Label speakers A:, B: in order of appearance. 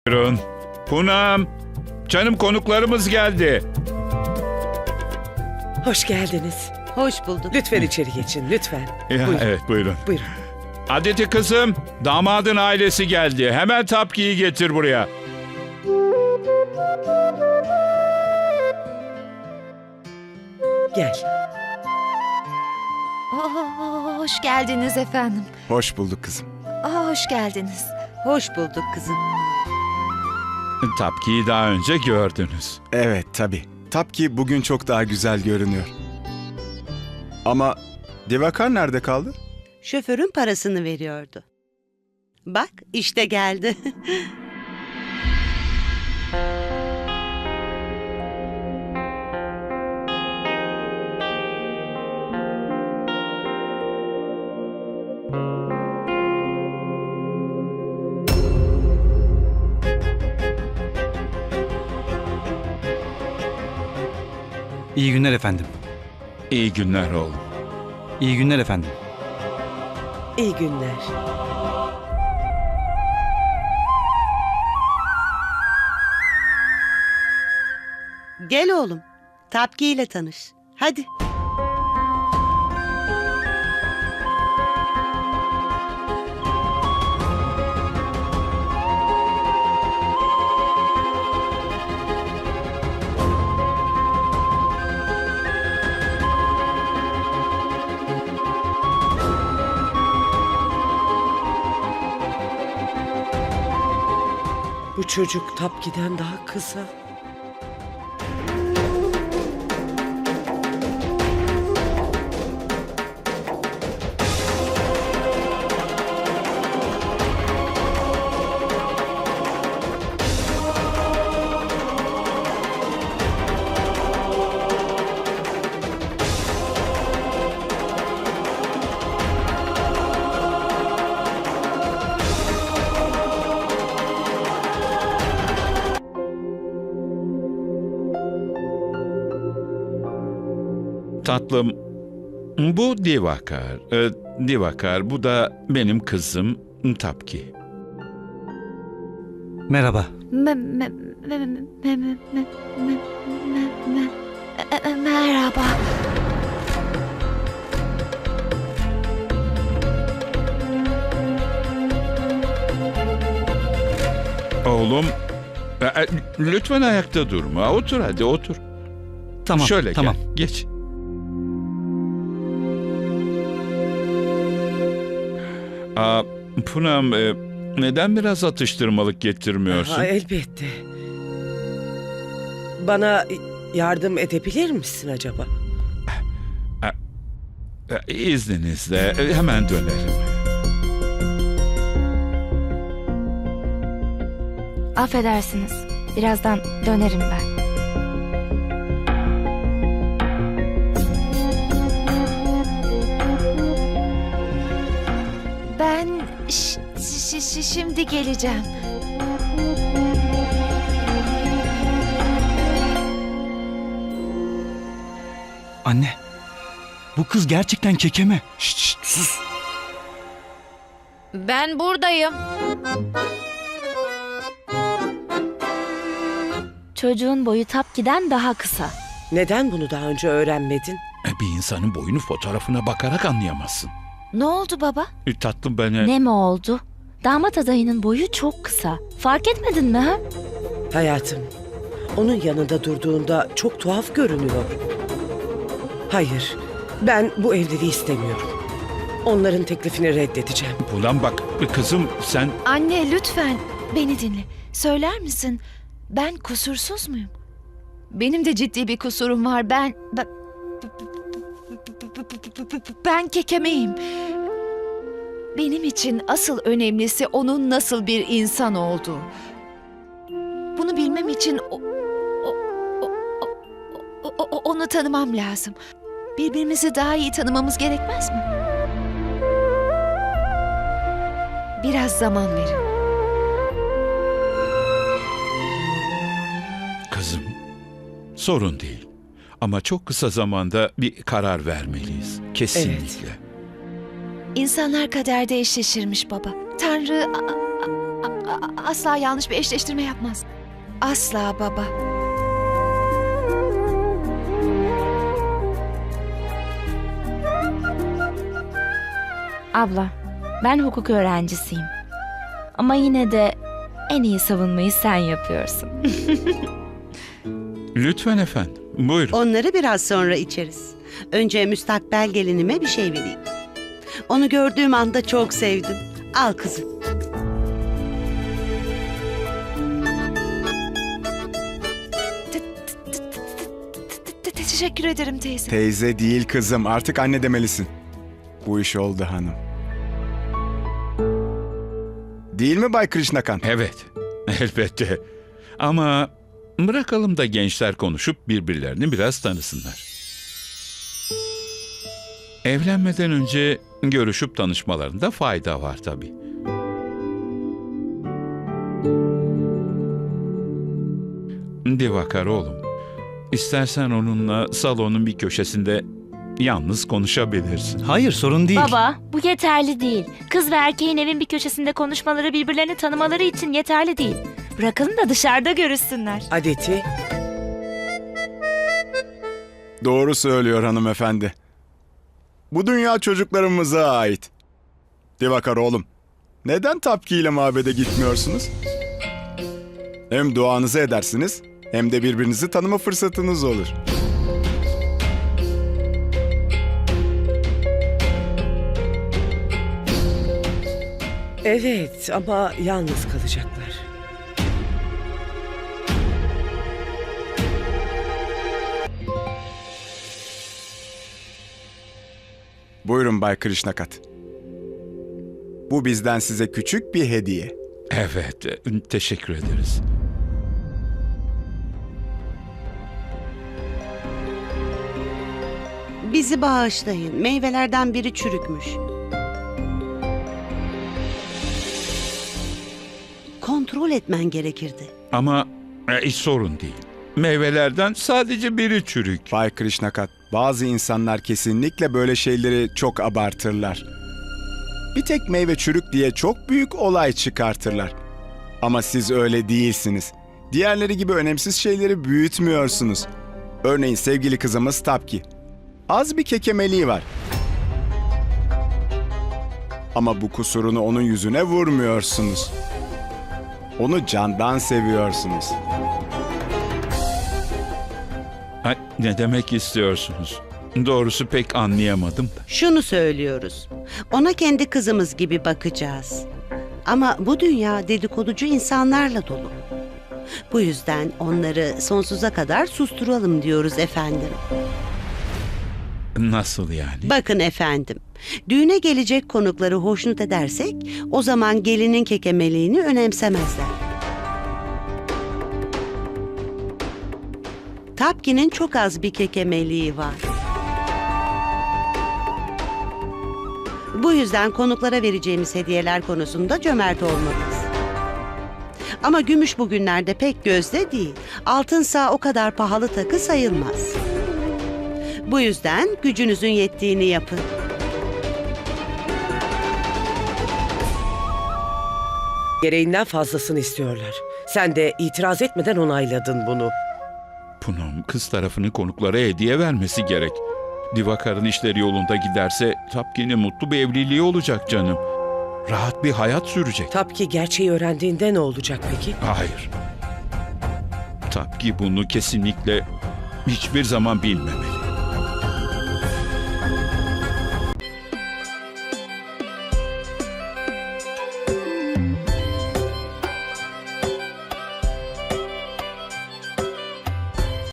A: Buyurun. Punam, canım konuklarımız geldi.
B: Hoş geldiniz.
C: Hoş bulduk.
B: Lütfen içeri geçin, lütfen.
A: Ya,
B: Buyurun.
A: evet, buyurun.
B: Buyurun.
A: Adeti kızım, damadın ailesi geldi. Hemen Tapki'yi getir buraya.
B: Gel.
D: Hoş geldiniz efendim.
E: Hoş bulduk kızım.
D: Hoş geldiniz.
C: Hoş bulduk kızım.
A: Tapki'yi daha önce gördünüz.
E: Evet tabii. Tapki bugün çok daha güzel görünüyor. Ama Divakar nerede kaldı?
C: Şoförün parasını veriyordu. Bak işte geldi.
F: İyi günler efendim.
A: İyi günler oğlum.
F: İyi günler efendim.
B: İyi günler.
C: Gel oğlum. Tapki ile tanış. Hadi.
B: Bu çocuk Tapki'den daha kısa.
A: Tatlım, bu Divakar. Divakar, bu da benim kızım Tapki.
F: Merhaba.
D: Merhaba.
A: Oğlum, lütfen ayakta durma. Otur hadi, otur.
F: Tamam.
A: Şöyle
F: tamam.
A: gel, geç. Punam, neden biraz atıştırmalık getirmiyorsun?
B: Ha, elbette. Bana yardım edebilir misin acaba?
A: İzninizle hemen dönerim.
D: Affedersiniz. Birazdan dönerim ben. Ben şimdi geleceğim.
F: Anne. Bu kız gerçekten kekeme.
E: Şşt, sus.
D: Ben buradayım. Çocuğun boyu Tapki'den daha kısa.
B: Neden bunu daha önce öğrenmedin?
A: Bir insanın boyunu fotoğrafına bakarak anlayamazsın.
D: Ne oldu baba?
A: Tatlım ben...
D: Ne mi oldu? Damat adayının boyu çok kısa. Fark etmedin mi ha?
B: Hayatım, onun yanında durduğunda çok tuhaf görünüyor. Hayır, ben bu evliliği istemiyorum. Onların teklifini reddedeceğim.
A: Ulan bak kızım sen...
D: Anne lütfen beni dinle. Söyler misin? Ben kusursuz muyum? Benim de ciddi bir kusurum var. Ben kekemeyim. Benim için asıl önemlisi onun nasıl bir insan olduğu. Bunu bilmem için onu tanımam lazım. Birbirimizi daha iyi tanımamız gerekmez mi? Biraz zaman verin.
A: Kızım, sorun değil. Ama çok kısa zamanda bir karar vermeliyiz. Kesinlikle.
D: İnsanlar kaderde eşleşirmiş baba. Tanrı asla yanlış bir eşleştirme yapmaz. Asla baba.
G: Abla, ben hukuk öğrencisiyim. Ama yine de en iyi savunmayı sen yapıyorsun.
A: Lütfen efendim. Buyurun.
C: Onları biraz sonra içeriz. Önce müstakbel gelinime bir şey vereyim. Onu gördüğüm anda çok sevdim. Al kızım.
D: Teşekkür ederim teyze.
E: Teyze değil kızım, artık anne demelisin. Bu iş oldu hanım. Değil mi Bay Krishnakant?
A: Evet, elbette. Ama bırakalım da gençler konuşup birbirlerini biraz tanısınlar. Evlenmeden önce görüşüp tanışmalarında fayda var tabii. Divakar oğlum, istersen onunla salonun bir köşesinde yalnız konuşabilirsin.
F: Hayır, sorun değil.
G: Baba, bu yeterli değil. Kız ve erkeğin evin bir köşesinde konuşmaları, birbirlerini tanımaları için yeterli değil. Bırakalım da dışarıda görüşsünler.
B: Adeti,
E: Doğru söylüyor hanımefendi. Bu dünya çocuklarımıza ait. Divakar oğlum, neden Tapki ile mabede gitmiyorsunuz? Hem duanızı edersiniz, hem de birbirinizi tanıma fırsatınız olur.
B: evet ama yalnız kalacaklar.
E: Buyurun Bay Krishnakat. Bu bizden size küçük bir hediye.
A: Evet, teşekkür ederiz.
C: Bizi bağışlayın. Meyvelerden biri çürükmüş. Kontrol etmen gerekirdi.
A: Ama hiç sorun değil. Meyvelerden sadece biri çürük.
E: Bay Krishnakat, bazı insanlar kesinlikle böyle şeyleri çok abartırlar. Bir tek meyve çürük diye çok büyük olay çıkartırlar. Ama siz öyle değilsiniz. Diğerleri gibi önemsiz şeyleri büyütmüyorsunuz. Örneğin sevgili kızımız Tapki. Az bir kekemeliği var. Ama bu kusurunu onun yüzüne vurmuyorsunuz. Onu candan seviyorsunuz.
A: Ha, ne demek istiyorsunuz? Doğrusu pek anlayamadım da.
C: Şunu söylüyoruz. Ona kendi kızımız gibi bakacağız. Ama bu dünya dedikoducu insanlarla dolu. Bu yüzden onları sonsuza kadar susturalım diyoruz efendim.
A: Nasıl yani?
C: Bakın efendim, düğüne gelecek konukları hoşnut edersek o zaman gelinin kekemeliğini önemsemezler. Tapki'nin çok az bir kekemeliği var. Bu yüzden konuklara vereceğimiz hediyeler konusunda cömert olmalıyız. Ama gümüş bugünlerde pek gözde değil. Altınsa o kadar pahalı takı sayılmaz. Bu yüzden gücünüzün yettiğini yapın.
B: Gereğinden fazlasını istiyorlar. Sen de itiraz etmeden onayladın bunu.
A: Punam, kız tarafının konuklara hediye vermesi gerek. Divakar'ın işleri yolunda giderse Tapki'nin mutlu bir evliliği olacak canım. Rahat bir hayat sürecek.
B: Tapki gerçeği öğrendiğinde ne olacak peki?
A: Hayır. Tapki bunu kesinlikle hiçbir zaman bilmemeli.